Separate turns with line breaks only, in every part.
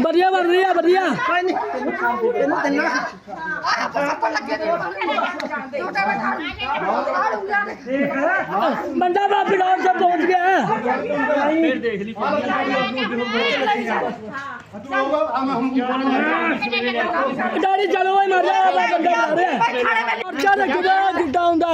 बढ़िया बन रही है बढ़िया बंदा बाप ग्राउंड से पहुंच गया है गाड़ी चलो भाई मर जाएगा बंदा मार रहे हैं क्या रखेगा गुड्डा हुंदा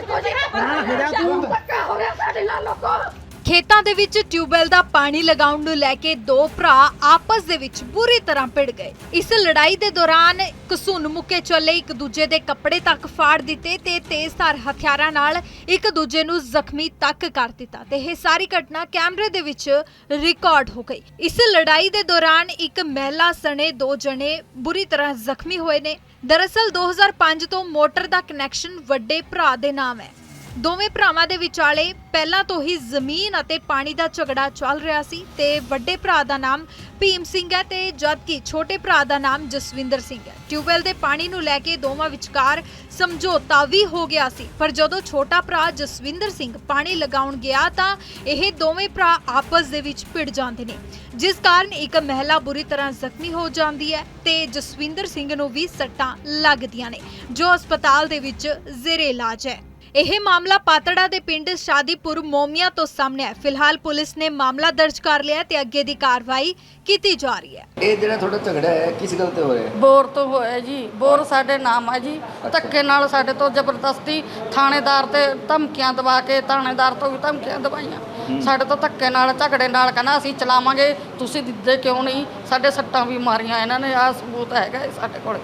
ਖੇਤਾਂ ਦੇ ਵਿੱਚ ਟਿਊਬਵੈਲ ਦਾ ਪਾਣੀ ਲਗਾਉਣ ਨੂੰ ਲੈ ਕੇ ਦੋ ਭਰਾ ਆਪਸ ਦੇ ਵਿੱਚ ਬੁਰੀ ਤਰ੍ਹਾਂ ਭਿੜ ਗਏ। ਇਸ ਲੜਾਈ ਦੇ ਦੌਰਾਨ ਘਸੁੰਨ ਮੁੱਕੇ ਚੱਲੇ ਇੱਕ ਦੂਜੇ ਦੇ ਕੱਪੜੇ ਤੱਕ ਫਾੜ ਦਿੱਤੇ ਤੇ ਤੇਜ਼ਧਾਰ ਹਥਿਆਰਾਂ ਨਾਲ ਇੱਕ ਦੂਜੇ ਨੂੰ ਜ਼ਖਮੀ ਤੱਕ ਕਰ ਦਿੱਤਾ ਤੇ ਇਹ ਸਾਰੀ ਘਟਨਾ ਕੈਮਰੇ ਦੇ ਵਿੱਚ ਰਿਕਾਰਡ ਹੋ ਗਈ। ਇਸ ਲੜਾਈ ਦੇ ਦੌਰਾਨ ਇੱਕ ਮਹਿਲਾ ਸਣੇ ਦੋ ਜਣੇ ਬੁਰੀ ਤਰ੍ਹਾਂ ਜ਼ਖਮੀ ਹੋਏ ਨੇ। ਦਰਅਸਲ 2005 ਤੋਂ ਮੋਟਰ ਦਾ ਕਨੈਕਸ਼ਨ ਵੱਡੇ ਭਰਾ ਦੇ ਨਾਮ ਹੈ। ਦੋਵੇਂ ਭਰਾਵਾਂ ਦੇ ਵਿਚਾਲੇ ਪਹਿਲਾਂ ਤੋਂ ਹੀ ਜ਼ਮੀਨ ਅਤੇ ਪਾਣੀ ਦਾ ਝਗੜਾ ਚੱਲ ਰਿਹਾ ਸੀ ਤੇ ਵੱਡੇ ਭਰਾ ਦਾ ਨਾਮ ਭੀਮ ਸਿੰਘ ਹੈ ਤੇ ਜਦਕਿ ਛੋਟੇ ਭਰਾ ਦਾ ਨਾਮ ਜਸਵਿੰਦਰ ਸਿੰਘ ਹੈ। ਟਿਊਬਵੈਲ ਦੇ ਪਾਣੀ ਨੂੰ ਲੈ ਕੇ ਦੋਵਾਂ ਵਿਚਕਾਰ ਸਮਝੌਤਾ ਵੀ ਹੋ ਗਿਆ ਸੀ, ਪਰ ਜਦੋਂ ਛੋਟਾ ਭਰਾ ਜਸਵਿੰਦਰ ਸਿੰਘ ਪਾਣੀ ਲਗਾਉਣ ਗਿਆ ਤਾਂ ਇਹ ਦੋਵੇਂ ਭਰਾ ਆਪਸ ਦੇ ਵਿੱਚ ਭਿੜ ਜਾਂਦੇ ਨੇ, ਜਿਸ ਕਾਰਨ ਇੱਕ ਮਹਿਲਾ ਬੁਰੀ ਤਰ੍ਹਾਂ ਜ਼ਖਮੀ ਹੋ ਜਾਂਦੀ ਹੈ ਤੇ ਜਸਵਿੰਦਰ ਸਿੰਘ ਨੂੰ ਵੀ ਸੱਟਾਂ ਲੱਗਦੀਆਂ ਨੇ ਜੋ ਹਸਪਤਾਲ ਦੇ ਵਿੱਚ ਜ਼ੇਰੇ ਇਲਾਜ ਹੈ। ਇਹ ਮਾਮਲਾ ਪਾਤੜਾ ਦੇ ਪਿੰਡ ਸ਼ਾਦੀਪੁਰ ਮੋਮੀਆਂ ਤੋਂ ਸਾਹਮਣੇ ਹੈ। ਫਿਲਹਾਲ ਪੁਲਿਸ ਨੇ ਮਾਮਲਾ ਦਰਜ ਕਰ ਲਿਆ ਤੇ ਅੱਗੇ ਦੀ ਕਾਰਵਾਈ ਕੀਤੀ ਜਾ ਰਹੀ ਹੈ।
ਇਹ ਜਿਹੜਾ ਤੁਹਾਡਾ ਝਗੜਾ ਹੈ ਕਿਸ ਗੱਲ ਤੇ ਹੋਇਆ?
ਬੋਰ ਤੋਂ ਹੋਇਆ ਜੀ। ਬੋਰ ਸਾਡੇ ਨਾਮ ਹੈ ਜੀ। ਧੱਕੇ ਨਾਲ ਸਾਡੇ ਤੋਂ ਜ਼ਬਰਦਸਤੀ ਥਾਣੇਦਾਰ ਤੇ ਧਮਕੀਆਂ ਦਵਾ ਕੇ ਥਾਣੇਦਾਰ ਤੋਂ ਵੀ ਧਮਕੀਆਂ ਦਵਾਈਆਂ। ਸਾਡੇ ਤੋਂ ਧੱਕੇ ਨਾਲ ਝਗੜੇ ਨਾਲ ਕਹਿੰਦਾ ਅਸੀਂ ਚਲਾਵਾਂਗੇ, ਤੁਸੀਂ ਦਿੱਦੇ ਕਿਉਂ ਨਹੀਂ? ਸਾਡੇ ਸੱਟਾਂ ਵੀ ਮਾਰੀਆਂ ਇਹਨਾਂ ਨੇ। ਆਹ ਸਬੂਤ ਹੈਗਾ ਸਾਡੇ ਕੋਲ।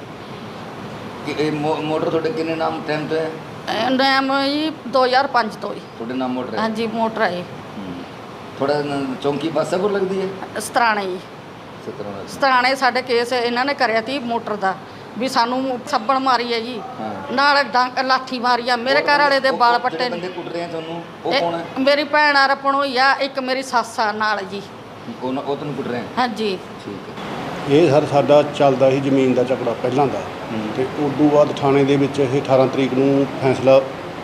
ਇਹ ਮੋਟਰ ਤੁਹਾਡੇ ਕਿੰਨੇ ਨਾਮ ਟਾਈਮ ਤੋਂ ਹੈ?
ਨਾਮ ਜੀ 2005 ਤੋਂ ਹੀ।
ਤੁਹਾਡੇ ਨਾਮ ਮੋਟਰ ਹੈ?
ਹਾਂਜੀ ਮੋਟਰ ਹੈ।
ਥੋੜਾ ਚੌਂਕੀ ਪਾਸਾਪੁਰ ਲੱਗਦੀ ਹੈ?
ਸਤਰਾਣੇ ਜੀ। ਸਤਰਾਣੇ ਸਾਡੇ ਕੇਸ ਇਹਨਾਂ ਨੇ ਕਰਿਆ ਤੀ ਮੋਟਰ ਦਾ ਵੀ ਸਾਨੂੰ ਸੱਬਣ ਮਾਰੀ ਹੈ ਜੀ, ਨਾਲ ਲਾਠੀ ਮਾਰੀ ਆ। ਮੇਰੇ ਘਰ ਵਾਲੇ ਦੇ ਵਾਲ ਪੱਟੇ
ਬੰਦੇ ਕੁੱਟ ਰਹੇ ਆ ਤੁਹਾਨੂੰ, ਉਹ ਕੌਣ ਹੈ?
ਮੇਰੀ ਭੈਣ ਆ ਰਪਣ ਹੋਈ ਆ, ਇੱਕ ਮੇਰੀ ਸੱਸ ਆ ਨਾਲ ਜੀ।
ਉਹ ਤੁਹਾਨੂੰ ਕੁੱਟ ਰਹੇ ਆ?
ਹਾਂਜੀ
ਠੀਕ ਹੈ।
ਇਹ ਸਾਡਾ ਚੱਲਦਾ ਸੀ ਜ਼ਮੀਨ ਦਾ ਝਗੜਾ ਪਹਿਲਾਂ ਦਾ, ਤੇ ਉਸ ਤੋਂ ਬਾਅਦ ਥਾਣੇ ਦੇ ਵਿੱਚ ਇਹ 18 ਤਰੀਕ ਨੂੰ ਫੈਸਲਾ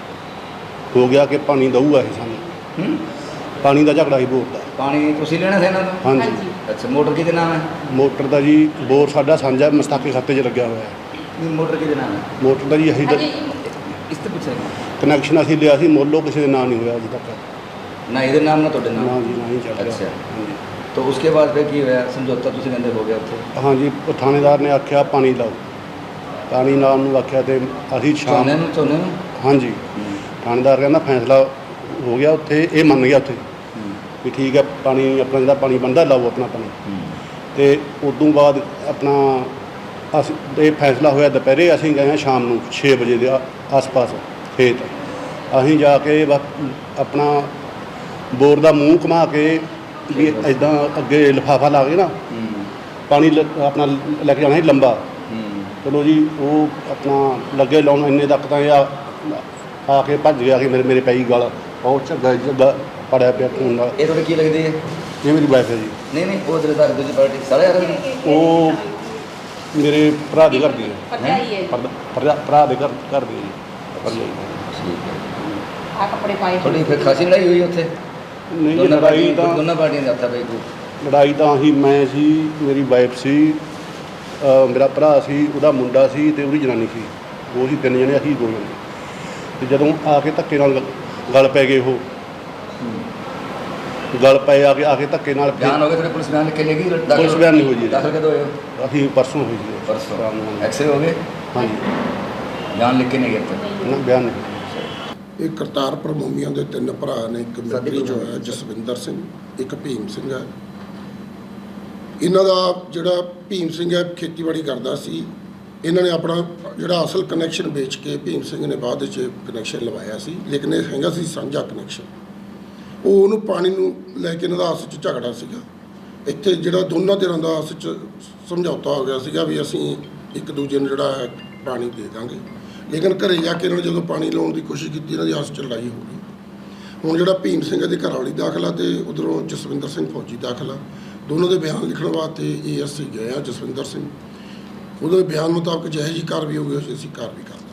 ਹੋ ਗਿਆ ਕਿ ਪਾਣੀ ਦਊਗਾ ਇਹ ਸਾਨੂੰ। ਪਾਣੀ ਦਾ ਝਗੜਾ ਸੀ ਬੋਰ ਦਾ।
ਪਾਣੀ ਤੁਸੀਂ ਲੈਣਾ ਸੀ ਇਹਨਾਂ ਤੋਂ?
ਹਾਂਜੀ।
ਅੱਛਾ, ਮੋਟਰ ਕਿਹਦੇ ਨਾਮ ਹੈ?
ਮੋਟਰ ਦਾ ਜੀ ਬੋਰ ਸਾਡਾ ਸਾਂਝਾ ਮਸਤਾਕੇ ਖਾਤੇ 'ਚ ਲੱਗਿਆ ਹੋਇਆ ਹੈ।
ਨਹੀਂ, ਮੋਟਰ ਕਿਹਦੇ ਨਾਮ ਹੈ?
ਮੋਟਰ ਦਾ ਜੀ ਅਸੀਂ
ਇਸ ਤੋਂ ਪੁੱਛਿਆ
ਕਨੈਕਸ਼ਨ ਅਸੀਂ ਲਿਆ ਸੀ, ਮੋਲੋ ਕਿਸੇ ਦੇ ਨਾਂ ਨਹੀਂ ਹੋਇਆ ਅਜੇ ਤੱਕ।
ਨਾ ਇਹਦੇ ਨਾਮ ਨਾ ਤੁਹਾਡੇ
ਨਾ
ਨਾਮ?
ਜੀ, ਨਾ ਹੀ ਚੱਲ ਰਿਹਾ।
ਅੱਛਾ।
ਹਾਂਜੀ।
तो उसके बाद फिर की होया? समझौता ਤੁਸੀਂ ਕਹਿੰਦੇ ਹੋ ਗਿਆ ਉੱਥੇ?
ਹਾਂਜੀ, ਉਹ ਥਾਣੇਦਾਰ ਨੇ ਆਖਿਆ ਪਾਣੀ ਲਾਓ। ਪਾਣੀ ਲਾਉਣ ਨੂੰ ਆਖਿਆ ਤੇ ਅਸੀਂ ਸ਼ਾਮ
ਝੋਨੇ ਨੂੰ
ਹਾਂਜੀ ਥਾਣੇਦਾਰ ਕਹਿੰਦਾ ਫੈਸਲਾ ਹੋ ਗਿਆ ਉੱਥੇ, ਇਹ ਮੰਨ ਗਿਆ ਉੱਥੇ ਵੀ ਠੀਕ ਹੈ ਪਾਣੀ ਆਪਣਾ ਜਿਹੜਾ ਪਾਣੀ ਬਣਦਾ ਲਾਓ ਆਪਣਾ ਪਾਣੀ। ਤੇ ਉਦੋਂ ਬਾਅਦ ਆਪਣਾ ਅਸੀਂ ਇਹ ਫੈਸਲਾ ਹੋਇਆ ਦੁਪਹਿਰੇ। ਅਸੀਂ ਗਏ ਹਾਂ ਸ਼ਾਮ ਨੂੰ 6 ਵਜੇ ਦੇ ਆਸ-ਪਾਸ ਖੇਤ। ਅਸੀਂ ਜਾ ਕੇ ਆਪਣਾ ਬੋਰ ਦਾ ਮੂੰਹ ਘੁਮਾ ਕੇ ਵੀ ਇੱਦਾਂ ਅੱਗੇ ਲਿਫਾਫਾ ਲਾ ਕੇ ਨਾ ਪਾਣੀ ਆਪਣਾ ਲੈ ਕੇ ਜਾਣਾ ਸੀ ਲੰਬਾ। ਚਲੋ ਜੀ ਉਹ ਆਪਣਾ ਲੱਗੇ ਲਾਉਣ, ਇੰਨੇ ਤੱਕ ਤਾਂ ਇਹ ਆ ਕੇ ਭੱਜ ਗਿਆ ਕਿ ਮੇਰੇ ਪਈ ਗਲ ਬਹੁਤ ਝੱਗਾ ਪੜਿਆ ਪਿਆ ਖੂਨ ਨਾਲ।
ਇਹ ਤੁਹਾਡੇ ਕੀ ਲੱਗਦੀ ਹੈ?
ਇਹ ਮੇਰੀ ਵਾਈਫ ਹੈ ਜੀ।
ਨਹੀਂ ਨਹੀਂ, ਉਹ ਜਿਹੜੇ ਦੂਜੀ ਪਾਰਟੀ ਸਾਰੇ ਆ ਰਹੇ ਨੇ?
ਉਹ ਮੇਰੇ ਭਰਾ ਦੇ ਘਰ ਦੀ ਹੈ। ਭਰਾ ਦੇ ਘਰ ਦੀ ਹੈ।
ਠੀਕ ਹੈ। ਆ ਕੱਪੜੇ ਪਾਏ ਥੋੜੀ ਫਿਰ ਖਾਸੀ ਲੜਾਈ ਹੋਈ ਉੱਥੇ?
ਨਹੀਂ ਜੀ, ਲੜਾਈ ਤਾਂ
ਦੋਨਾਂ ਪਾਰਟੀਆਂ ਦਾ ਹੱਥਾ ਪਈ।
ਲੜਾਈ ਤਾਂ ਅਸੀਂ ਮੈਂ ਸੀ, ਮੇਰੀ ਵਾਈਫ ਸੀ, ਮੇਰਾ ਭਰਾ ਸੀ, ਉਹਦਾ ਮੁੰਡਾ ਸੀ ਤੇ ਉਹਦੀ ਜਨਾਨੀ ਸੀ। ਉਹ ਸੀ 3 ਜਣੇ, ਅਸੀਂ 2 ਜਣੇ। ਤੇ ਜਦੋਂ ਆ ਕੇ ਧੱਕੇ ਨਾਲ ਗਲ ਪੈ ਗਏ, ਉਹ ਗਲ ਪਏ ਆ ਕੇ ਧੱਕੇ ਨਾਲ
ਬਿਆਨ ਹੋ ਗਏ ਤੁਹਾਡੇ? ਪੁਲਿਸ ਬਿਆਨ ਕਿੰਨੇ ਕੀ?
ਪੁਲਿਸ ਬਿਆਨ ਨਹੀਂ ਹੋਈ ਜੀ।
ਦਾਖਲ ਕਦੋਂ ਹੋਏ?
ਅਸੀਂ ਪਰਸੋਂ ਹੋਈ ਜੀ।
ਪਰਸੋਂ ਐਕਸਰੇ ਹੋ ਗਏ?
ਹਾਂਜੀ।
ਬਿਆਨ ਲਿਖ ਕੇ ਨਹੀਂ ਗਏ?
ਨਾ ਬਿਆਨ ਨਹੀਂ।
ਇਹ ਕਰਤਾਰਪੁਰ ਮੋਮੀਆਂ ਦੇ 3 ਭਰਾ ਨੇ। ਇੱਕ ਮਿਲਟਰੀ 'ਚ ਹੋਇਆ ਜਸਵਿੰਦਰ ਸਿੰਘ, ਇੱਕ ਭੀਮ ਸਿੰਘ ਹੈ। ਇਹਨਾਂ ਦਾ ਜਿਹੜਾ ਭੀਮ ਸਿੰਘ ਹੈ ਖੇਤੀਬਾੜੀ ਕਰਦਾ ਸੀ। ਇਹਨਾਂ ਨੇ ਆਪਣਾ ਜਿਹੜਾ ਅਸਲ ਕਨੈਕਸ਼ਨ ਵੇਚ ਕੇ ਭੀਮ ਸਿੰਘ ਨੇ ਬਾਅਦ ਵਿੱਚ ਕਨੈਕਸ਼ਨ ਲਵਾਇਆ ਸੀ, ਲੇਕਿਨ ਇਹ ਹੈਗਾ ਸੀ ਸਾਂਝਾ ਕਨੈਕਸ਼ਨ। ਉਹ ਉਹਨੂੰ ਪਾਣੀ ਨੂੰ ਲੈ ਕੇ ਇਹਨਾਂ ਦਾ ਆਪਸ 'ਚ ਝਗੜਾ ਸੀਗਾ। ਇੱਥੇ ਜਿਹੜਾ ਦੋਨਾਂ ਧਿਰਾਂ ਦਾ ਆਪਸ 'ਚ ਸਮਝੌਤਾ ਹੋ ਗਿਆ ਸੀਗਾ ਵੀ ਅਸੀਂ ਇੱਕ ਦੂਜੇ ਨੂੰ ਜਿਹੜਾ ਹੈ ਪਾਣੀ ਦੇ ਦਾਂਗੇ। ਲੇਕਿਨ ਘਰੇ ਜਾ ਕੇ ਇਹਨਾਂ ਨੇ ਜਦੋਂ ਪਾਣੀ ਲਾਉਣ ਦੀ ਕੋਸ਼ਿਸ਼ ਕੀਤੀ, ਇਹਨਾਂ ਦੀ ਆਪਸ 'ਚ ਲੜਾਈ ਹੋ ਗਈ। ਹੁਣ ਜਿਹੜਾ ਭੀਮ ਸਿੰਘ ਦੇ ਘਰ ਵਾਲੀ ਦਾਖਲਾ ਤੇ ਉਧਰੋਂ ਜਸਵਿੰਦਰ ਸਿੰਘ ਫੌਜੀ ਦਾਖਲਾ। ਦੋਨੋਂ ਦੇ ਬਿਆਨ ਲਿਖਣ ਵਾਸਤੇ ASC ਗਏ ਆ ਜਸਵਿੰਦਰ ਸਿੰਘ। ਉਹਦੇ ਬਿਆਨ ਮੁਤਾਬਕ ਜਿਹੋ ਜਿਹੀ ਕਾਰਵਾਈ ਹੋਊਗੀ ਅਸੀਂ ਕਾਰਵਾਈ ਕਰਾਂਗੇ।